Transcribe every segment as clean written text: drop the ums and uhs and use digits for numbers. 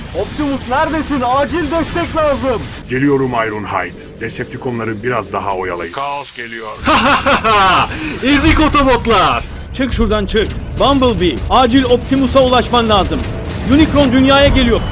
Optimus neredesin? Acil destek lazım. Geliyorum Ironhide. Decepticonları biraz daha oyalayın. Kaos geliyor. Ezik otobotlar. Çık şuradan çık. Bumblebee, acil Optimus'a ulaşman lazım. Unicron dünyaya geliyor.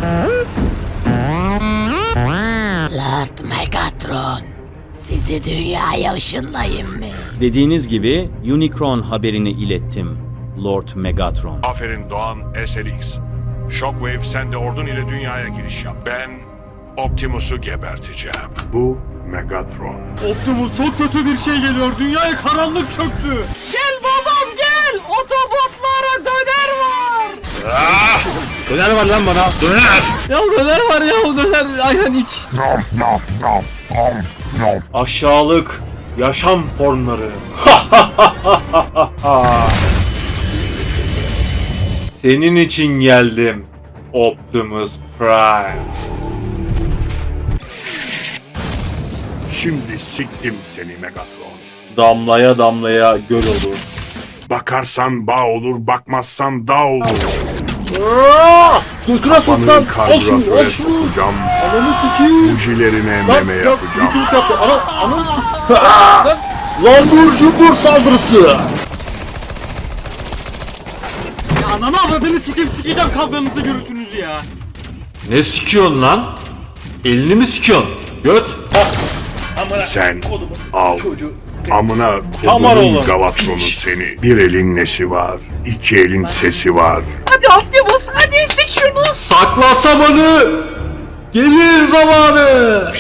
Lord Megatron, sizi dünyaya ışınlayayım mı? Dediğiniz gibi Unicron haberini ilettim, Lord Megatron. Aferin Doğan SLX. Shockwave sen de ordun ile dünyaya giriş yap. Ben Optimus'u geberteceğim. Bu Megatron. Optimus çok kötü bir şey geliyor. Dünyaya karanlık çöktü. Gel babam gel. Otobotlara döner var. Döner var lan bana. Döner. Ya döner var ya döner. Aynen iç. Aşağılık yaşam formları. Senin için geldim Optimus Prime. Şimdi siktim seni Megatron. Damlaya damlaya göl olur. Bakarsan bağ olur, bakmazsan dağ olur. Götüne sok lan. Kafanı Al şunu, al karbüratöre şunu. sokacağım. Ananı sikeyim. Bujilerine meme yapacağım. Diklik yaptı. Ananı sikeyim. Lambur cumbur saldırısı. Ananı avradını sikeceğim kavganızı gürültünüzü ya. Ne sikiyorsun lan? Elini mi sikiyorsun? Göt. Sen al. Amına Tamar kodumun oğlum. Galatronu seni. Bir elin nesi var, iki elin sesi var. Hadi Optimus, hadi sik şunu. Sakla samanı. Gelir zamanı.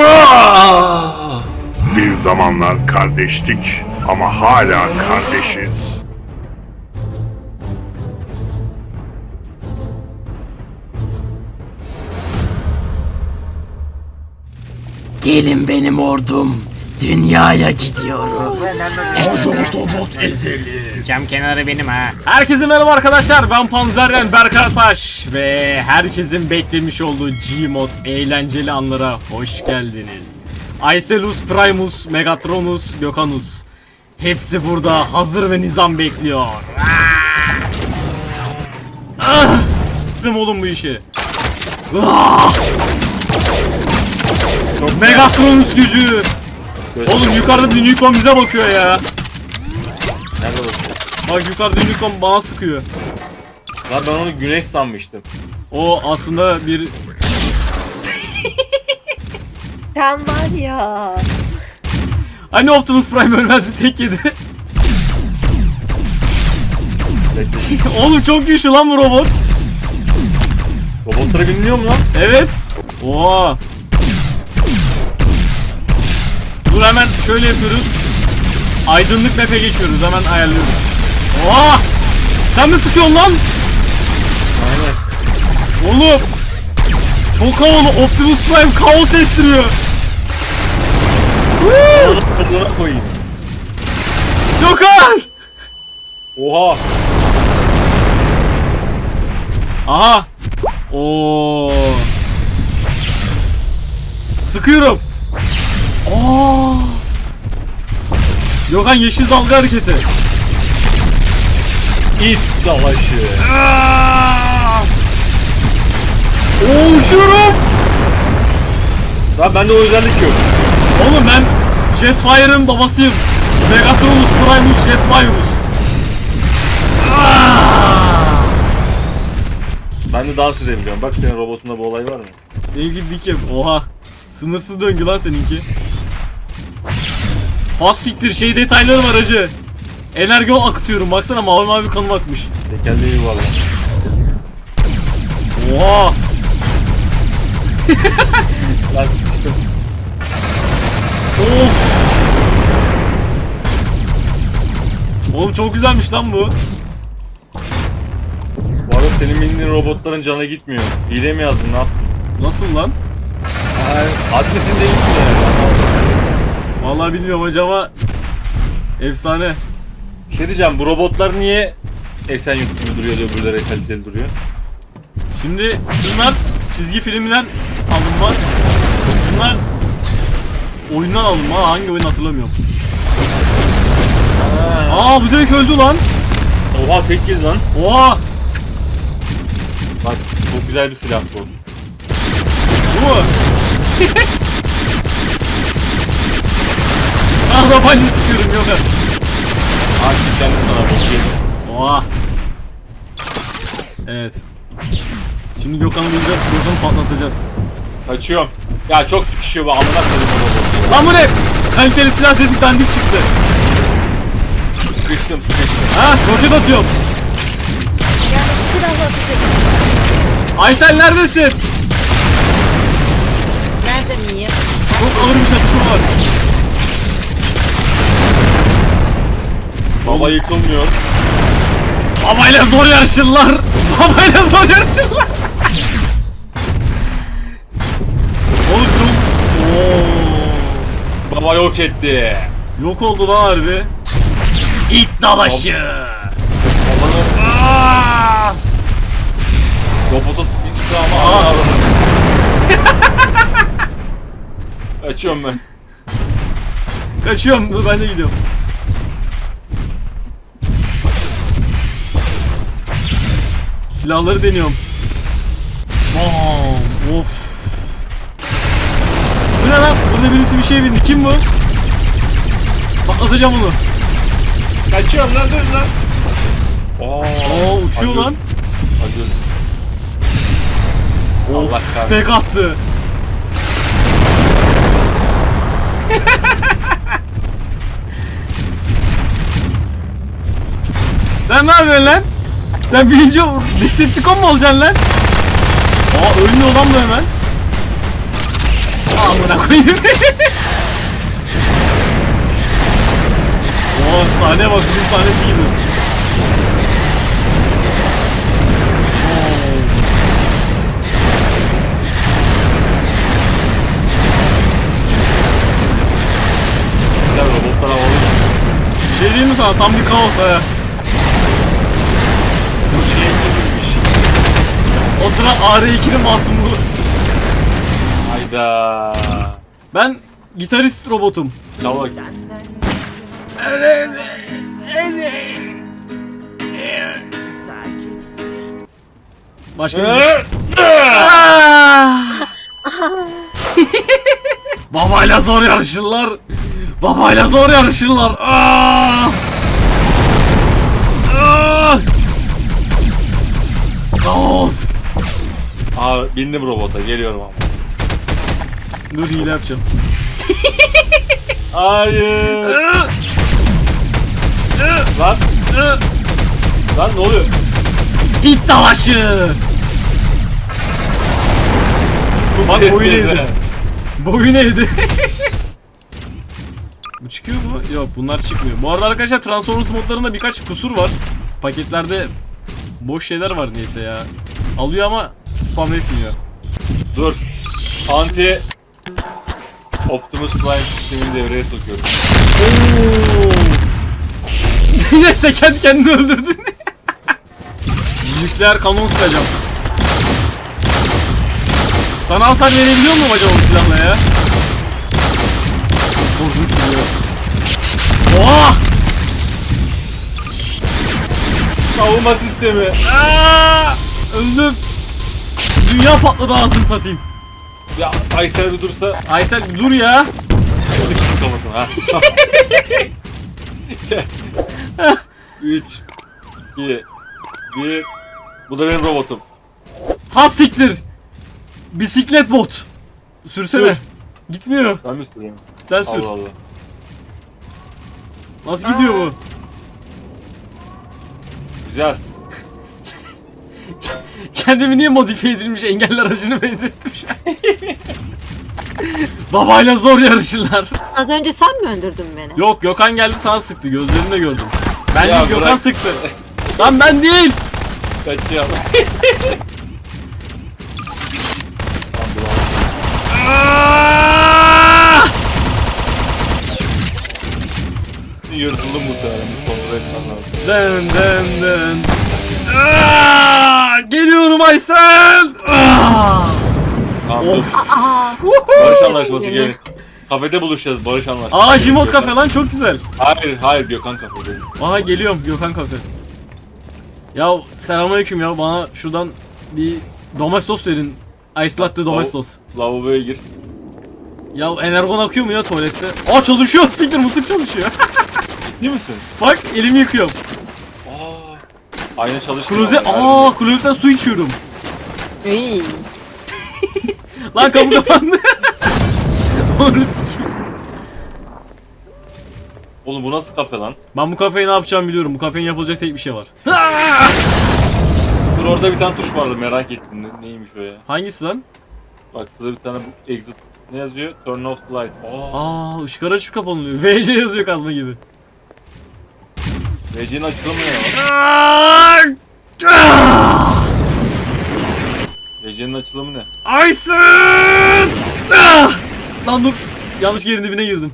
Bir zamanlar kardeştik ama hala kardeşiz. Gelin benim ordum. Dünyaya gidiyoruz. Cam kenarı benim ha. Herkese merhaba arkadaşlar. Ben Panzerren Berkay Taş ve herkesin beklemiş olduğu Gmod eğlenceli anlara hoş geldiniz. Icelus, Primus, Megatronus, Gökhanus. Hepsi burada hazır ve nizam bekliyor. Dedim oğlum bu işi. Megatronus gücü. Oğlum yukarıda bir Unicron bize bakıyor ya. Nerede bakıyor? Bak yukarıda Unicron bana sıkıyor. Lan ben onu güneş sanmıştım. O aslında bir... Sen var ya. Hani Optimus Prime ölmezdi tek yedi. Oğlum çok güçlü lan bu robot. Robotlara biniliyor mu lan? Evet. Oha. Dur hemen şöyle yapıyoruz. Aydınlık map'e geçiyoruz. Hemen ayarlıyoruz. Oha! Sen mi sıkıyorsun lan? Aynen. Oğlum. Çok havalı. Optimus Prime kaos estiriyor. Kadına koyayım. Gökhan! Oha. Aha. Oo. Sıkıyorum. Oo. Gökhan yeşil dalga hareketi. İt savaşı. Oo uçuyorum. Lan bende o özellik yok. Oğlum ben Jetfire'ın babasıyım. Megatronus Primus Jetfire'us. Ben de dans edebiliyorum. Bak senin robotunda bu olay var mı? Benimki dikim. Oha. Sınırsız döngü lan seninki. Has siktir şey detayları var hacı. Enerji akıtıyorum baksana mavi mavi kanım akmış. Tekerleği yuvarlak. Oha. Lan sıkıştım. Of. Oğlum çok güzelmiş lan bu. Bu arada senin bindiğin robotların canı gitmiyor. Hile mi yazdın ne yaptın? Nasıl lan? Adresinde gitmiyor yani. Vallahi bilmiyorum hacı ama efsane. Şey diyeceğim, bu robotlar niye Esenyurt gibi duruyor da öbürleri kaliteli duruyor? Şimdi bunlar çizgi filmden alınma. Bunlar oyundan alınma. Hangi oyun hatırlamıyorum. Aa bu direkt öldü lan. Oha tek kez lan. Oha. Bak çok güzel bir silah bu. Bu mu? Ah babaanne sıkıyorum yok artık. Akif kendi sana bakayım. Oha. Evet. Şimdi Gökhan'ı bulacağız, Gökhan'ı patlatacağız. Kaçıyorum. Ya çok sıkışıyor bu amına koyayım bu. Lan bu ne? Kaliteli silah dedik dandik çıktı. Sıkıştım. Ha, roket atıyorum. Yani biraz atacak. Aysel neredesin? Nerede miyim? Çok ağır bir çatışma var. Baba yıkılmıyor. Babayla zor yarışırlar. Babayla zor yarışırlar. Oğlum çok... Oo. Baba yok etti. Yok oldu lan harbi. İt dalaşı. Babanın Aa! robota sıkıştı ama Aa. ağladı. Kaçıyorum ben. Kaçıyorum. Dur ben de gidiyorum. Silahları deniyorum. Bam. Of. Bu ne lan? Burada birisi bir şey bindi. Kim bu? Patlatacağım onu. Kaçıyorum lan dur lan. Oo uçuyor lan. Hadi. Allah Of kahretsin. tek attı. Sen ne yapıyorsun lan? Sen birinci Decepticon mu olacaksın lan? Aa ölmüyor lan bu hemen. Amına koyayım. Oo sahneye bak, film sahnesi gibi. Güzel robotlar havalı. Bir şey diyeyim mi sana? Tam bir kaos ha. Bu şeye girmiş. O sıra AR2'nin masumluğu. Hayda. Ben gitarist robotum. Tamam. Başka bir şey. Ah! Babayla zor yarışırlar. Babayla zor yarışırlar. Ah! Ah! Kaos. Aa bindim robota geliyorum ama. Dur hile yapacağım. Hayır. Ah! Lan. Lan ne oluyor? İt dalaşı. Bak boyun eğdi. Boyun eğdi. Bu çıkıyor mu? Yok bunlar çıkmıyor. Bu arada arkadaşlar Transformers modlarında birkaç kusur var. Paketlerde boş şeyler var neyse ya. Alıyor ama spam etmiyor. Dur. Anti Optimus Prime sistemini devreye sokuyorum. Yine sen kendini öldürdün. Nükleer kanon sıkacağım. Sana hasar verebiliyor mu acaba bu silahla ya? Çok korkunç duruyor. Oha! Savunma sistemi. Aa! Öldüm. Dünya patladı ağzını satayım. Ya Aysel bir dursa Aysel bir dur ya. sıkıştım kafasına ha. 3 2 1. Bu da benim robotum. Ha siktir. Bisiklet bot. Sürsene. Dur. Gitmiyor. Ben mi sürüyorum? Sen sür. Allah Allah. Nasıl gidiyor bu? Güzel. Kendimi niye modifiye edilmiş engelli aracını benzettim şu an. Babayla zor yarışırlar. Az önce sen mi öldürdün beni? Yok Gökhan geldi sana sıktı. Gözlerinde gördüm. Ben Ya değil Gökhan bırak. sıktı. Lan ben değil. Kaçıyor. Aa! Yırtıldım muhtemelen. Kontrol etmem lazım. Dın dın dın. Aa! Geliyorum Aysel. Aa! Tamam dur. Of. Barış anlaşması gelin. Kafede buluşacağız barış anlaşması. Aa Jimot Gökhan. kafe lan çok güzel. Hayır Gökhan kafe değil. Aha geliyorum Gökhan kafe. Ya selamünaleyküm ya, bana şuradan Bir domestos verin. Ice latte domestos. Lavaboya gir. Ya energon akıyor mu ya tuvalette? Aa çalışıyor. Siktir musluk çalışıyor. Değil misin? Bak elimi yıkıyorum. Ayna çalışmıyor. Klozetten su içiyorum. İyi. Lan kapı kapandı. Onu sikeyim. Oğlum bu nasıl kafe lan? Ben bu kafeyi ne yapacağımı biliyorum. Bu kafenin yapılacak tek bir şey var. Dur orada bir tane tuş vardı merak ettim. Neymiş o ya? Hangisi lan? Bak şurada bir tane exit. Ne yazıyor? Turn off the light. Işıklar açıp kapanılıyor. VC yazıyor kazma gibi. VC'nin açılımı ne lan? VC'nin açılımı ne? Aysun! Lan dur. Yanlış yerin dibine girdim.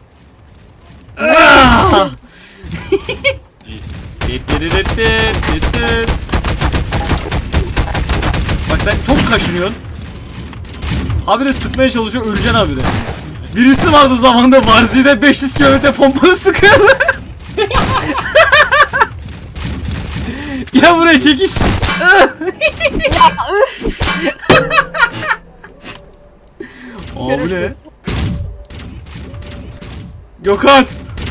Bak sen çok kaşınıyorsun. Habire sıkmaya çalışıyor, öleceksin habire. Birisi vardı zamanında Varzi'de 500 km pompalı sıkıyordu. Gel buraya çekiş. Aa bu ne? Gökhan!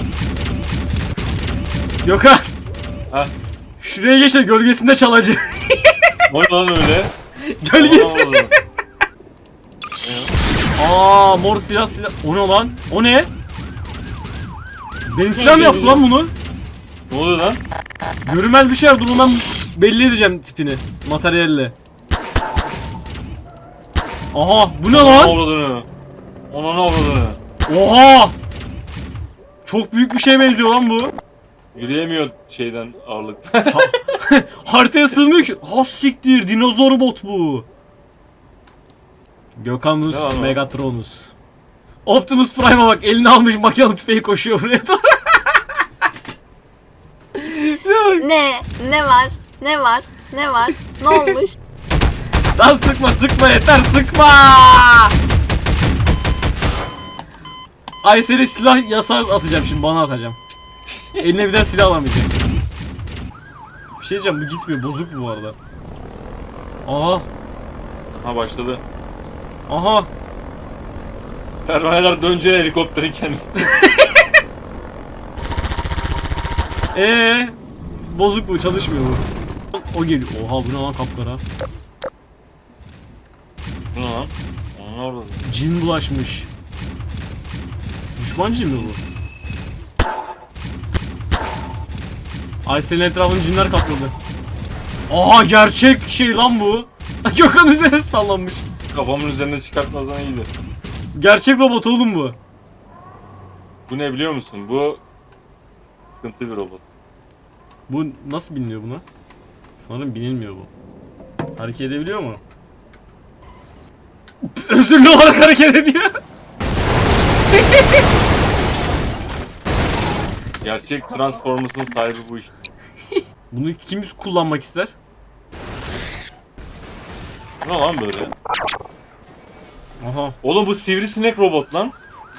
Gökhan! Ha? Şuraya geç de gölgesinde çalacak. O ne lan öyle? Gölgesi. Allah. Mor silah. O ne lan? O ne? Benim silahım yaptı lan bunu. Ne oluyor lan? Görünmez bir şey var. Dur ben belli edeceğim tipini. Materyalle. Aha bu ne lan? Avradını. Ona ne avradını? Oha! Çok büyük bir şeye benziyor lan bu. Yürüyemiyor şeyden ağırlıkta. Haritaya sığmıyor ki. Ha siktir, dinozor bot bu. Gökhanus Ne lan o? Megatronus. Optimus Prime'a bak, elini almış makinalı tüfeği koşuyor buraya doğru. Ne? Ne var? Ne var? Ne var? Ne olmuş? Lan sıkma yeter sıkma. Aysel'e silah yasağı atacağım şimdi, bana atacağım. Eline bir daha silah alamayacak. Bir şey diyeceğim, bu gitmiyor, bozuk bu arada. Aha. Ha başladı. Aha. Pervaneler dönce helikopterin kendisi. Bozuk bu, çalışmıyor bu. O geliyor. Oha bu ne lan, kapkara. Bu ne lan? Ona ne avradını? Cin bulaşmış. Düşman cin mi bu? Aysel'in etrafını cinler kapladı. Aha gerçek şey lan bu. Gökhan üzerine sallanmış. Kafamın üzerine çıkartmazdan iyiydi. Gerçek robot oğlum bu. Bu ne biliyor musun? Bu sıkıntı bir robot. Bu nasıl biniliyor buna? Sanırım binilmiyor bu. Hareket edebiliyor mu? Özürlü olarak hareket ediyor. Gerçek Transformers'ın sahibi bu işte. Bunu kim kullanmak ister? Bu ne lan böyle? Aha. Oğlum bu sivrisinek robot lan.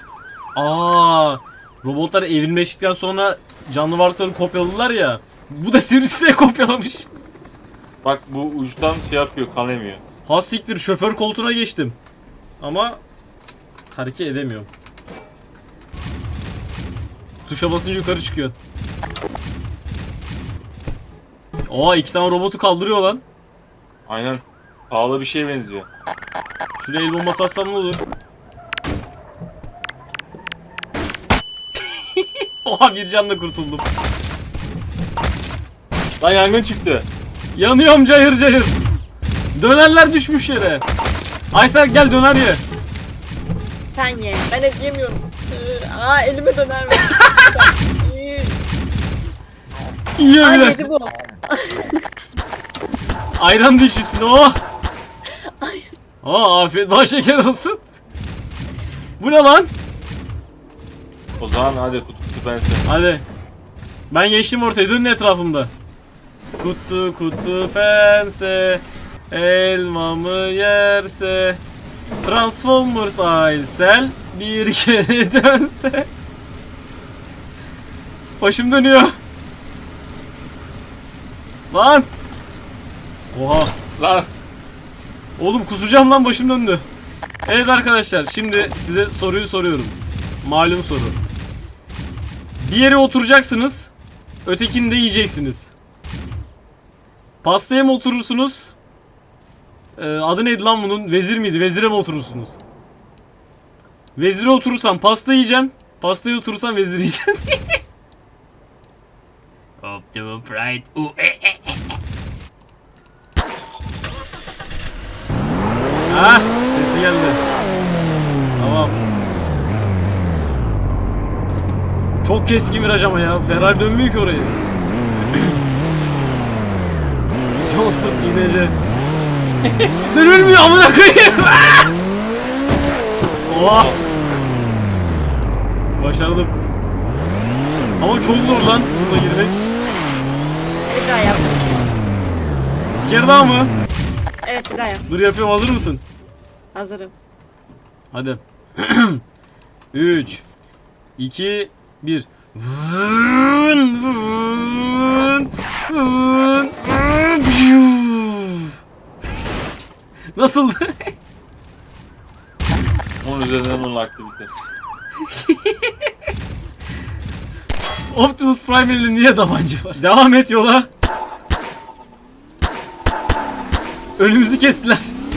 Robotlar evrimleştikten sonra canlı varlıkları kopyaladılar ya. Bu da sivrisineği kopyalamış. Bak bu uçtan şey yapıyor, kan emiyor. Ha siktir, şoför koltuğuna geçtim. Ama hareket edemiyorum. Tuşa basınca yukarı çıkıyor. İki tane robotu kaldırıyor lan. Aynen. Pahalı bir şeye benziyor. Şuraya el bombası atsam ne olur? Oha, bir canla kurtuldum. Lan yangın çıktı. Yanıyorum cayır cayır. Dönerler düşmüş yere. Aysel gel döner ye. Sen ye. Ben hep yemiyorum. Elime döner mi? Yiyor Ay bile. yedi bu. Ayran dişisin o. Afiyet bal şeker olsun. Bu ne lan? O zaman hadi kutu pense. Hadi. Ben geçtim ortaya, dönün etrafımda. Kutu pense, elmamı yerse, Transformers Aysel bir kere dönse. Başım dönüyor. Lan. Oha. Lan Oğlum kusacağım lan, başım döndü. Evet arkadaşlar, şimdi size soruyu soruyorum. Malum soru. Bir yere oturacaksınız. Ötekini de yiyeceksiniz. Pastaya mı oturursunuz? Adı neydi lan bunun? Vezir miydi? Vezire mi oturursunuz? Vezire oturursan pasta yiyeceksin. Pastaya oturursan vezir yiyeceksin. Optimum Pride. Ah, sesi geldi. Tamam. Çok keskin viraj ama ya. Ferrari dönmüyor ki orayı. John Stott iğnece. Dönülmüyor amına koyayım. Oha. Başardım. Ama çok zor lan buna girmek. Bir daha yap. Bir kere daha mı? Evet bir daha yap. Dur yapıyorum, hazır mısın? Hazırım. Hadi. 3 2 1. Vın, vın, vın, vın. Nasıldı? Onun üzerinden onun aktivite. Optimus Prime'li niye tabanca var? Devam et yola. Önümüzü kestiler.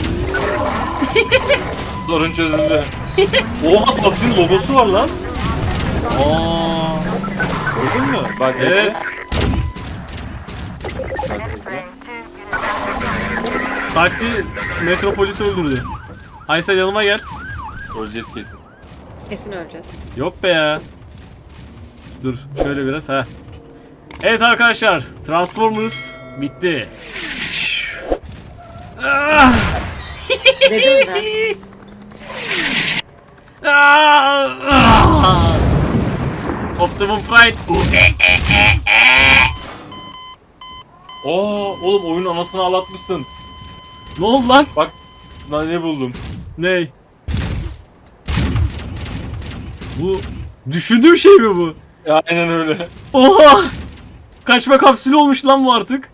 Sorun çözüldü. Oha, PUBG'nin logosu var lan. Aa. Gördün mü? Bak Evet. Taksi Metropolis'i öldürdü. Aysel yanıma gel. Öleceğiz kesin. Kesin öleceğiz. Yok be ya. Dur şöyle biraz ha. Evet arkadaşlar, Transformers bitti. Ah! Dedim ben. Ah! Optimum Pride. Aa, oğlum oyunun anasını ağlatmışsın. Ne oldu lan? Bak, ben ne buldum? Ney? Bu düşündüğüm şey mi bu? Aynen öyle. Oha! Kaçma kapsülü olmuş lan bu artık.